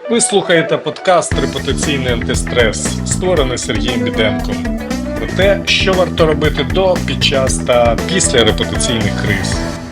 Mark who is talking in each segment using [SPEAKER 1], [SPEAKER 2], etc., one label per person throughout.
[SPEAKER 1] Ви слухаєте подкаст «Репутаційний антистрес», створений Сергієм Біденком. Про те, що варто робити до, під час та після репутаційних криз.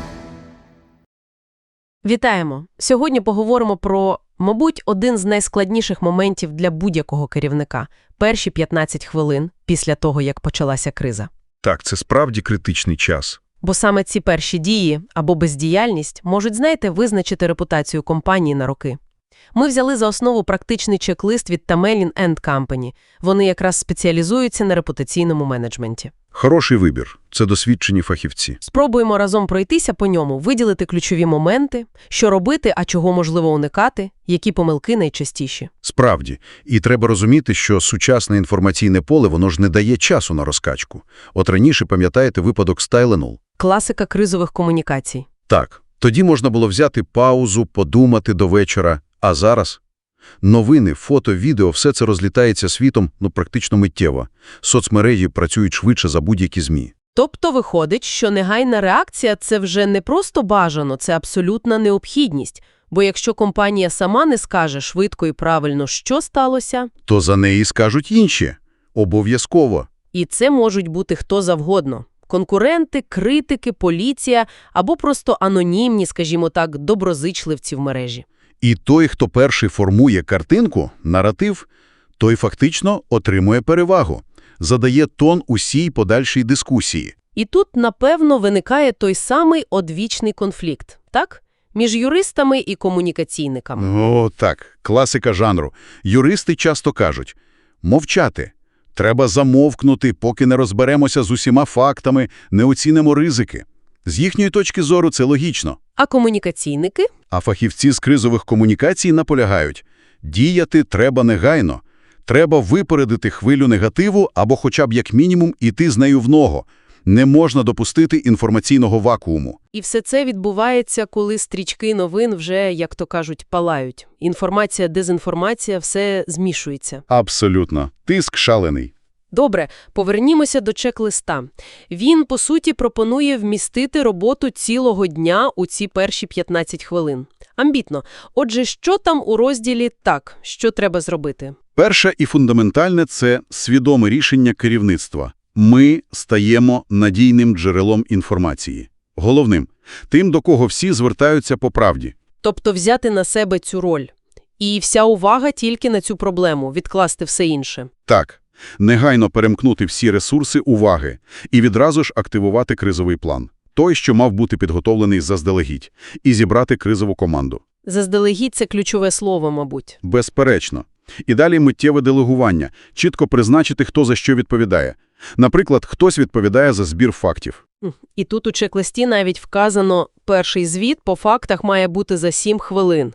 [SPEAKER 2] Вітаємо! Сьогодні поговоримо про, мабуть, один з найскладніших моментів для будь-якого керівника – перші 15 хвилин після того, як почалася криза.
[SPEAKER 3] Так, це справді критичний час.
[SPEAKER 2] Бо саме ці перші дії або бездіяльність можуть, визначити репутацію компанії на роки. Ми взяли за основу практичний чек-лист від Tamelin & Company. Вони якраз спеціалізуються на репутаційному менеджменті.
[SPEAKER 3] Хороший вибір. Це досвідчені фахівці.
[SPEAKER 2] Спробуємо разом пройтися по ньому, виділити ключові моменти, що робити, а чого можливо уникати, які помилки найчастіші.
[SPEAKER 3] Справді. І треба розуміти, що сучасне інформаційне поле, воно ж не дає часу на розкачку. От раніше, пам'ятаєте, випадок з Tylenol?
[SPEAKER 2] Класика кризових комунікацій.
[SPEAKER 3] Так. Тоді можна було взяти паузу, подумати до вечора. А зараз? Новини, фото, відео – все це розлітається світом, практично миттєво. Соцмережі працюють швидше за будь-які ЗМІ.
[SPEAKER 2] Тобто виходить, що негайна реакція – це вже не просто бажано, це абсолютна необхідність. Бо якщо компанія сама не скаже швидко і правильно, що сталося,
[SPEAKER 3] То за неї скажуть інші. Обов'язково.
[SPEAKER 2] і це можуть бути хто завгодно. Конкуренти, критики, поліція або просто анонімні, скажімо так, доброзичливці в мережі.
[SPEAKER 3] І той, хто перший формує картинку, наратив, той фактично отримує перевагу, задає тон усій подальшій дискусії.
[SPEAKER 2] І тут, напевно, виникає той самий одвічний конфлікт, так? Між юристами і комунікаційниками.
[SPEAKER 3] О, так, класика жанру. Юристи часто кажуть – мовчати. Треба замовкнути, поки не розберемося з усіма фактами, не оцінимо ризики. З їхньої точки зору це логічно.
[SPEAKER 2] А комунікаційники?
[SPEAKER 3] А фахівці з кризових комунікацій наполягають – діяти треба негайно. Треба випередити хвилю негативу або хоча б як мінімум іти з нею в ногу. Не можна допустити інформаційного вакууму.
[SPEAKER 2] І все це відбувається, коли стрічки новин вже, як то кажуть, палають. Інформація, дезінформація – все змішується.
[SPEAKER 3] Абсолютно. Тиск шалений.
[SPEAKER 2] Добре, повернімося до чек-листа. Він, по суті, пропонує вмістити роботу цілого дня у ці перші 15 хвилин. Амбітно. Отже, що там у розділі «Так», що треба зробити?
[SPEAKER 3] Перше і фундаментальне – це свідоме рішення керівництва. Ми стаємо надійним джерелом інформації. Головним – тим, до кого всі звертаються по правді.
[SPEAKER 2] Тобто взяти на себе цю роль. І вся увага тільки на цю проблему, відкласти все інше.
[SPEAKER 3] Так. Негайно перемкнути всі ресурси уваги і відразу ж активувати кризовий план. Той, що мав бути підготовлений заздалегідь, і зібрати кризову команду.
[SPEAKER 2] Заздалегідь – це ключове слово, мабуть.
[SPEAKER 3] Безперечно. І далі миттєве делегування, чітко призначити, хто за що відповідає. Наприклад, хтось відповідає за збір фактів.
[SPEAKER 2] І тут у чек-листі навіть вказано, перший звіт по фактах має бути за 7 хвилин.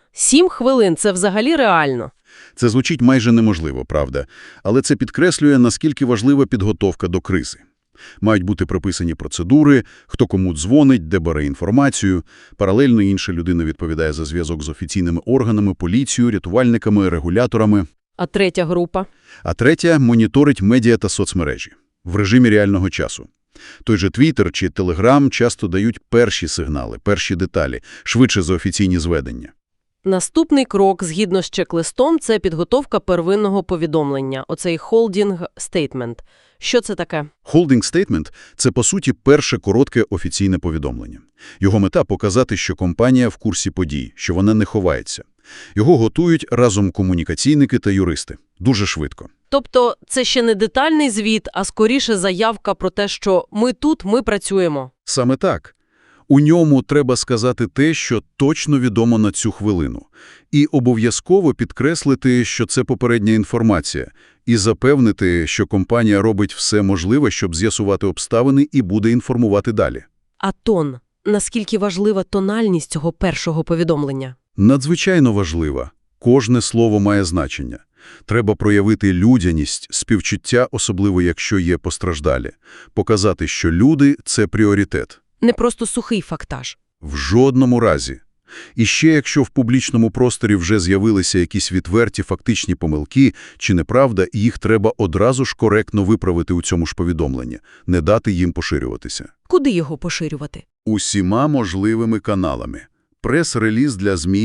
[SPEAKER 2] 7 хвилин – це взагалі реально.
[SPEAKER 3] Це звучить майже неможливо, правда? Але це підкреслює, наскільки важлива підготовка до кризи. Мають бути прописані процедури, хто кому дзвонить, де бере інформацію. Паралельно інша людина відповідає за зв'язок з офіційними органами, поліцією, рятувальниками, регуляторами.
[SPEAKER 2] А третя група?
[SPEAKER 3] А третя – моніторить медіа та соцмережі в режимі реального часу. Той же Twitter чи Telegram часто дають перші сигнали, перші деталі, швидше за офіційні зведення.
[SPEAKER 2] Наступний крок, згідно з чек-листом, це підготовка первинного повідомлення, оцей holding statement. Що це таке?
[SPEAKER 3] Holding statement – це, по суті, перше коротке офіційне повідомлення. Його мета – показати, що компанія в курсі подій, що вона не ховається. Його готують разом комунікаційники та юристи. Дуже швидко.
[SPEAKER 2] Тобто це ще не детальний звіт, а скоріше заявка про те, що ми тут, ми працюємо.
[SPEAKER 3] Саме так. У ньому треба сказати те, що точно відомо на цю хвилину. І обов'язково підкреслити, що це попередня інформація. І запевнити, що компанія робить все можливе, щоб з'ясувати обставини і буде інформувати далі.
[SPEAKER 2] А тон? Наскільки важлива тональність цього першого повідомлення?
[SPEAKER 3] Надзвичайно важлива. Кожне слово має значення. Треба проявити людяність, співчуття, особливо якщо є постраждалі. Показати, що люди – це пріоритет.
[SPEAKER 2] Не просто сухий фактаж.
[SPEAKER 3] В жодному разі. І ще якщо в публічному просторі вже з'явилися якісь відверті фактичні помилки чи неправда, їх треба одразу ж коректно виправити у цьому ж повідомленні, не дати їм поширюватися.
[SPEAKER 2] Куди його поширювати?
[SPEAKER 3] Усіма можливими каналами. Прес-реліз для ЗМІ,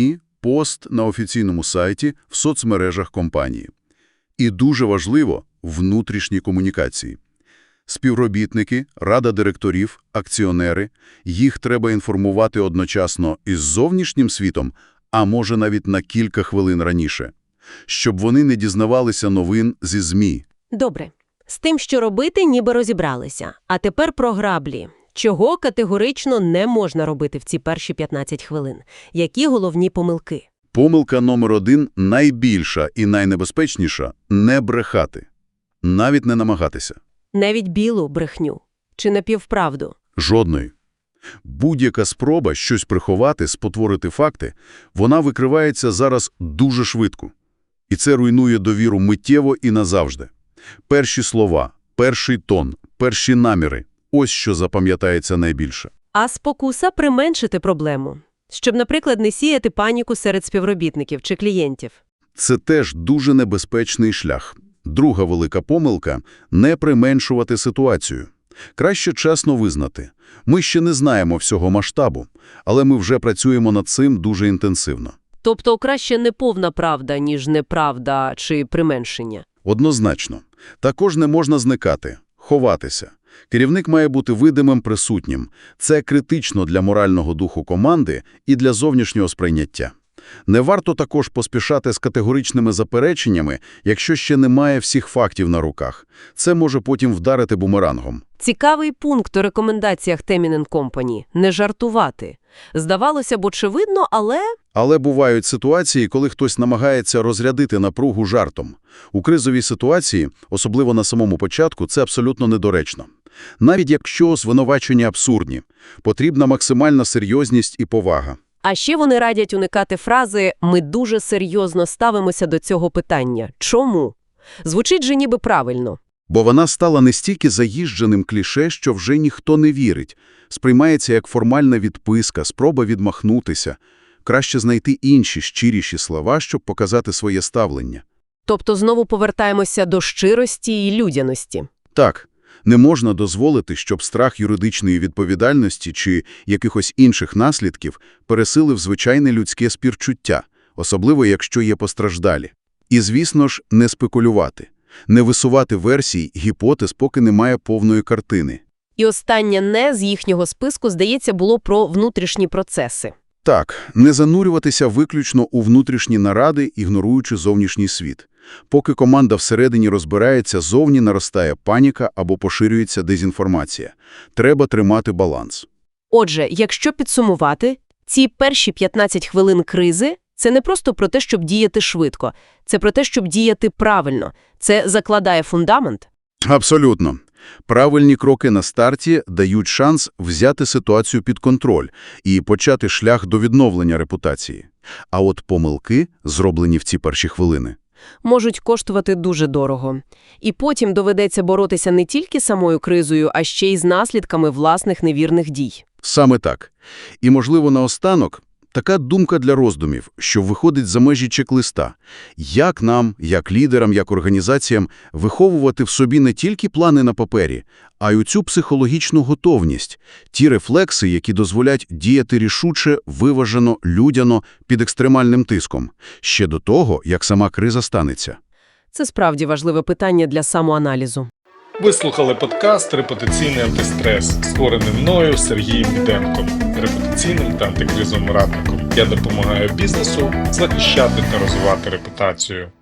[SPEAKER 3] пост на офіційному сайті, в соцмережах компанії. І дуже важливо – внутрішні комунікації. Співробітники, рада директорів, акціонери – їх треба інформувати одночасно із зовнішнім світом, а може навіть на кілька хвилин раніше, щоб вони не дізнавалися новин зі ЗМІ.
[SPEAKER 4] Добре. З тим, що робити, ніби розібралися. А тепер про граблі. Чого категорично не можна робити в ці перші 15 хвилин? Які головні помилки?
[SPEAKER 3] Помилка номер 1, найбільша і найнебезпечніша – не брехати. Навіть не намагатися.
[SPEAKER 4] Навіть білу брехню. Чи напівправду?
[SPEAKER 3] Жодної. Будь-яка спроба щось приховати, спотворити факти, вона викривається зараз дуже швидко. І це руйнує довіру миттєво і назавжди. Перші слова, перший тон, перші наміри – ось що запам'ятається найбільше.
[SPEAKER 4] А спокуса применшити проблему. Щоб, наприклад, не сіяти паніку серед співробітників чи клієнтів.
[SPEAKER 3] Це теж дуже небезпечний шлях. Друга велика помилка – не применшувати ситуацію. Краще чесно визнати. Ми ще не знаємо всього масштабу, але ми вже працюємо над цим дуже інтенсивно.
[SPEAKER 4] Тобто краще не повна правда, ніж неправда чи применшення.
[SPEAKER 3] Однозначно. Також не можна зникати, ховатися. Керівник має бути видимим, присутнім. Це критично для морального духу команди і для зовнішнього сприйняття. Не варто також поспішати з категоричними запереченнями, якщо ще немає всіх фактів на руках. Це може потім вдарити бумерангом.
[SPEAKER 4] Цікавий пункт у рекомендаціях Teminen Company – не жартувати. Здавалося б, очевидно, але…
[SPEAKER 3] Але бувають ситуації, коли хтось намагається розрядити напругу жартом. У кризовій ситуації, особливо на самому початку, це абсолютно недоречно. Навіть якщо звинувачення абсурдні, потрібна максимальна серйозність і повага.
[SPEAKER 4] А ще вони радять уникати фрази «ми дуже серйозно ставимося до цього питання». Чому? Звучить же ніби правильно.
[SPEAKER 3] Бо вона стала настільки заїждженим кліше, що вже ніхто не вірить. Сприймається як формальна відписка, спроба відмахнутися. Краще знайти інші, щиріші слова, щоб показати своє ставлення.
[SPEAKER 4] Тобто знову повертаємося до щирості і людяності.
[SPEAKER 3] Так, не можна дозволити, щоб страх юридичної відповідальності чи якихось інших наслідків пересилив звичайне людське співчуття, особливо якщо є постраждалі. І, звісно ж, не спекулювати, не висувати версій, гіпотез, поки немає повної картини.
[SPEAKER 4] І останнє «не» з їхнього списку, здається, було про внутрішні процеси.
[SPEAKER 3] Так, не занурюватися виключно у внутрішні наради, ігноруючи зовнішній світ. Поки команда всередині розбирається, зовні наростає паніка або поширюється дезінформація. Треба тримати баланс.
[SPEAKER 4] Отже, якщо підсумувати, ці перші 15 хвилин кризи – це не просто про те, щоб діяти швидко. Це про те, щоб діяти правильно. Це закладає фундамент.
[SPEAKER 3] Абсолютно. Правильні кроки на старті дають шанс взяти ситуацію під контроль і почати шлях до відновлення репутації. А от помилки, зроблені в ці перші хвилини,
[SPEAKER 4] можуть коштувати дуже дорого. І потім доведеться боротися не тільки самою кризою, а ще й з наслідками власних невірних дій.
[SPEAKER 3] Саме так. І, можливо, наостанок така думка для роздумів, що виходить за межі чек-листа. Як нам, як лідерам, як організаціям виховувати в собі не тільки плани на папері, а й оцю психологічну готовність, ті рефлекси, які дозволять діяти рішуче, виважено, людяно, під екстремальним тиском, ще до того, як сама криза станеться.
[SPEAKER 4] Це справді важливе питання для самоаналізу.
[SPEAKER 1] Ви слухали подкаст «Репутаційний антистрес», створений мною Сергієм Біденком, репутаційним та антикризовим радником. Я допомагаю бізнесу захищати та розвивати репутацію.